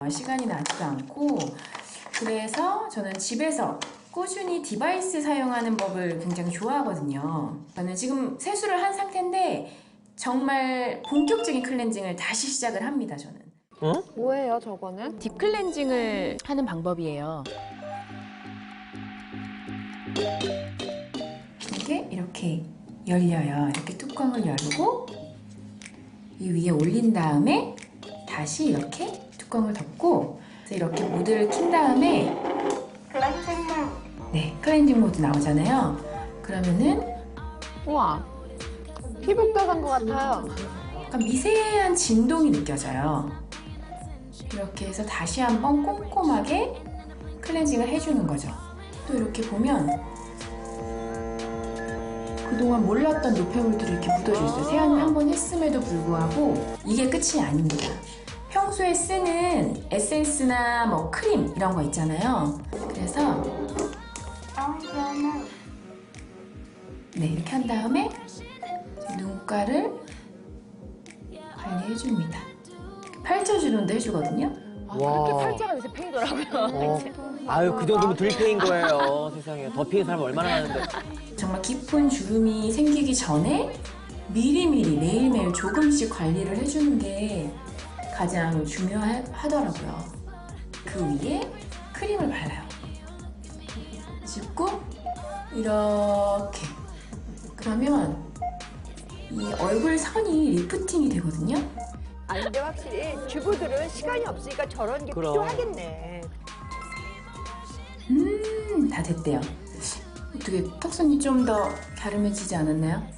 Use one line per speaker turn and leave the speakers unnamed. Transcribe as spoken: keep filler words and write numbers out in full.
시간이 나지도 않고, 그래서 저는 집에서 꾸준히 디바이스 사용하는 법을 굉장히 좋아하거든요. 저는 지금 세수를 한 상태인데 정말 본격적인 클렌징을 다시 시작을 합니다, 저는.
어?
뭐예요, 저거는?
딥 클렌징을 하는 방법이에요. 이게 이렇게 열려요. 이렇게 뚜껑을 열고 이 위에 올린 다음에 다시 이렇게 뚜껑을 덮고 이렇게 모드를 킨 다음에 네, 클렌징 모드 나오잖아요. 그러면은
우와, 피부과 간 것 같아요.
약간 미세한 진동이 느껴져요. 이렇게 해서 다시 한번 꼼꼼하게 클렌징을 해주는 거죠. 또 이렇게 보면 그동안 몰랐던 노폐물들이 이렇게 묻어져 있어요. 세안을 한 번 했음에도 불구하고 이게 끝이 아닙니다. 평소에 쓰는 에센스나 뭐 크림 이런 거 있잖아요. 그래서 네, 이렇게 한 다음에 눈가를 관리해줍니다. 펼쳐주는데 해주거든요.
와.
그렇게 팔자가 요새 페이더라고요.
어. 아유, 그 정도면 들페인 거예요. 세상에. 더 피는 사람 얼마나 많은데.
정말 깊은 주름이 생기기 전에 미리미리 매일매일 조금씩 관리를 해주는 게 가장 중요하더라고요. 그 위에 크림을 발라요. 짚고 이렇게. 그러면 이 얼굴 선이 리프팅이 되거든요.
아니 근데 확실히 주부들은 시간이 없으니까 저런 게
그럼.
필요하겠네.
음, 다 됐대요. 어떻게 턱선이 좀 더 갸름해지지 않았나요?